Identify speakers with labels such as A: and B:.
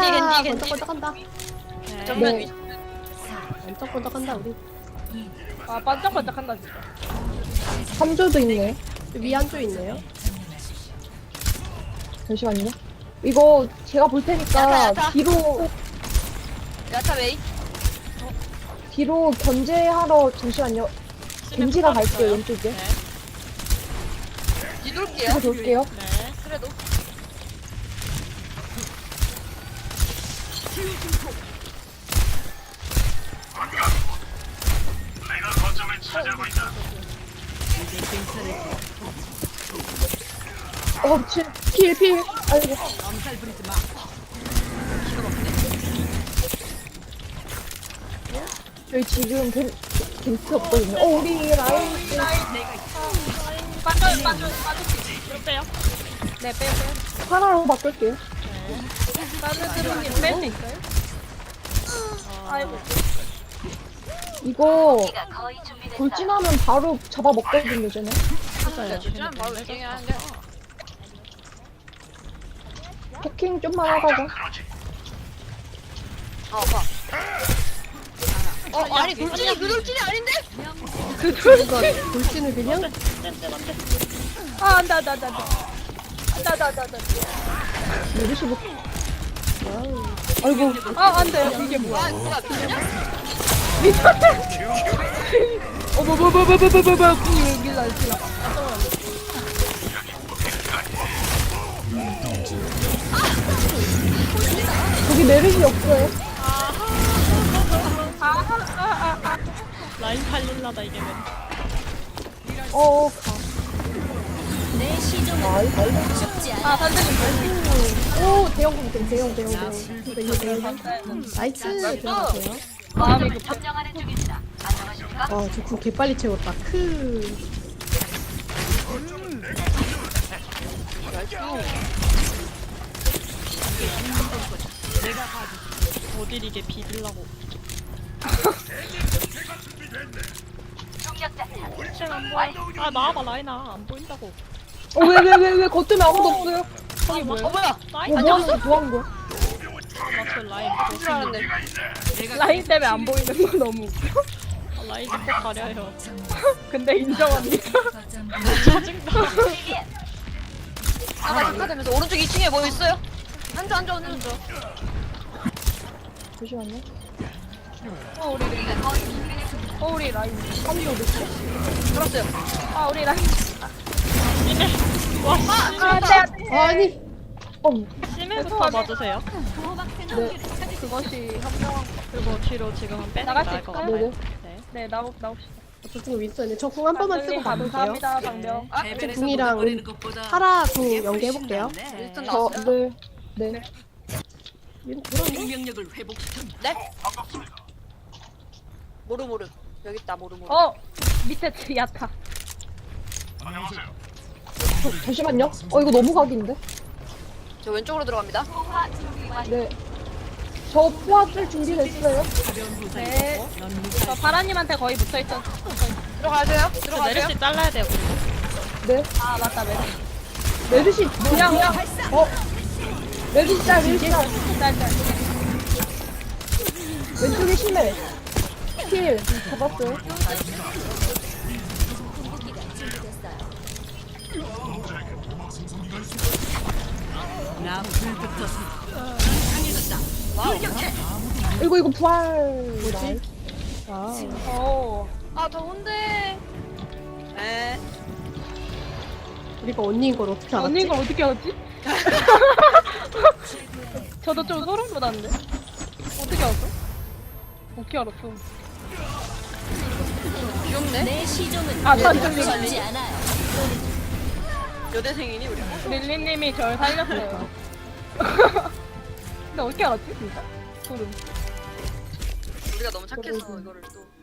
A: 번쩍번쩍한다.
B: 정면 위.
A: 번쩍번쩍한다 우리.
C: 아 반짝반짝한다 진짜.
D: 3조도 있네.
A: 위 한조 있네요.
D: 잠시만요. 이거 제가 볼 테니까
B: 야타.
D: 뒤로
B: 야타 웨이.
D: 견제하러 잠시만요. 겐지가 갈게요 왼쪽에.
E: 네.
B: 뒤돌게요.
D: 제가 돌게요.
E: 네.
B: 그래도.
D: 미친. 필. 아이고. 저희 지금 겐트 없거든요. 우리 라인.
C: 빠져.
E: 이거 빼요.
C: 네 빼요.
D: 하나로 바꿀게요.
C: 다른 드론님 뺄수 있어요? 아이고.
D: 이거 돌진하면 바로 잡아먹거든요, 쟤네.
E: 맞아요.
B: 좀 바로 웨이팅 하는데.
D: 해킹 좀만 하다가.
B: 아빠. 아니 돌진이 그 돌진이 아닌데?
A: 이거 돌진을 그냥
C: 아 안돼.
D: 메르시 뭐. 아이고.
C: 아 안돼. 이게 뭐야?
B: 아 누가 비냐?
C: 여기 날씨.
D: 저기 메르시 없어요.
E: 라인 팔릴라다 이게 면.
D: 가.
C: 아 선생님.
D: 오, 대형.
A: 나이스 들어가세요.
C: 마음이 급해.
A: 저궁 개빨리 채웠다.
E: 어딜 이게 비빌라고. 안 보여. 아 나와봐 라인아 안 보인다고.
D: 왜 겉으면 아무도 없어요?
E: 거기 뭐야?
B: 뭐야?
E: 라인
D: 뭐 하는 거야?
E: 맞춰 라인.
B: 줄 알았네.
C: 라인 때문에 안 보이는 거 너무 웃겨.
E: 라인 꼭 가려요.
C: 근데 인정합니다.
E: 짜증나.
B: 아까 착화되면서 오른쪽 2층에 뭐 있어요? 앉아.
D: 잠시만요.
C: 우리 라인.
B: 들었어요.
C: 아 우리 라인.
E: 심해. 와
C: 안돼.
D: 아니.
E: 심해부터 맞으세요.
C: 그것이 현명한 거.
E: 그리고 뒤로 지금은 빼는 게
C: 나갈 수
E: 나을 것
C: 있을까요?
E: 같아요.
D: 네네.
E: 네.
C: 네 나옵시다.
A: 저궁 윈스턴이네. 저 궁 한 번만 쓰고 가볼게요.
C: 감사합니다 방병.
B: 아
A: 저 궁이랑 파라 궁 연계해볼게요.
B: 윈스턴
D: 저,
B: 나왔어요?
D: 네.
B: 네? 모르. 여기 있다 모르.
C: 밑에 야타.
D: 잠시만요. 이거 너무 각인데?
B: 저 왼쪽으로 들어갑니다.
D: 네. 저 포화 쓸 준비됐어요?
C: 네. 저 바라님한테 거의 붙어있던.
B: 들어가세요.
E: 저
B: 들어가세요.
E: 메르시 잘라야 돼요.
D: 네.
C: 아 맞다 메리.
D: 메르시,
C: 그냥
D: 메르시 짤.
C: 짤짤.
D: 왼쪽에 심해. 킬. 잡았어요. 이거 부활. 뭐지?
B: 아 더운데. 에.
A: 우리가 언니인 걸 어떻게 알았지?
C: 언니인 걸 어떻게 알았지? 저도 좀 소름 돋았는데. 어떻게 알았어? 어떻게 알았어?
B: 귀엽네.
C: 아 단정님.
B: 여대생이니 우리.
C: 릴리님이 절 살렸어요. 근데 어떻게 알았지 진짜? 소름.
B: 우리가 너무 착해서 이거를 또.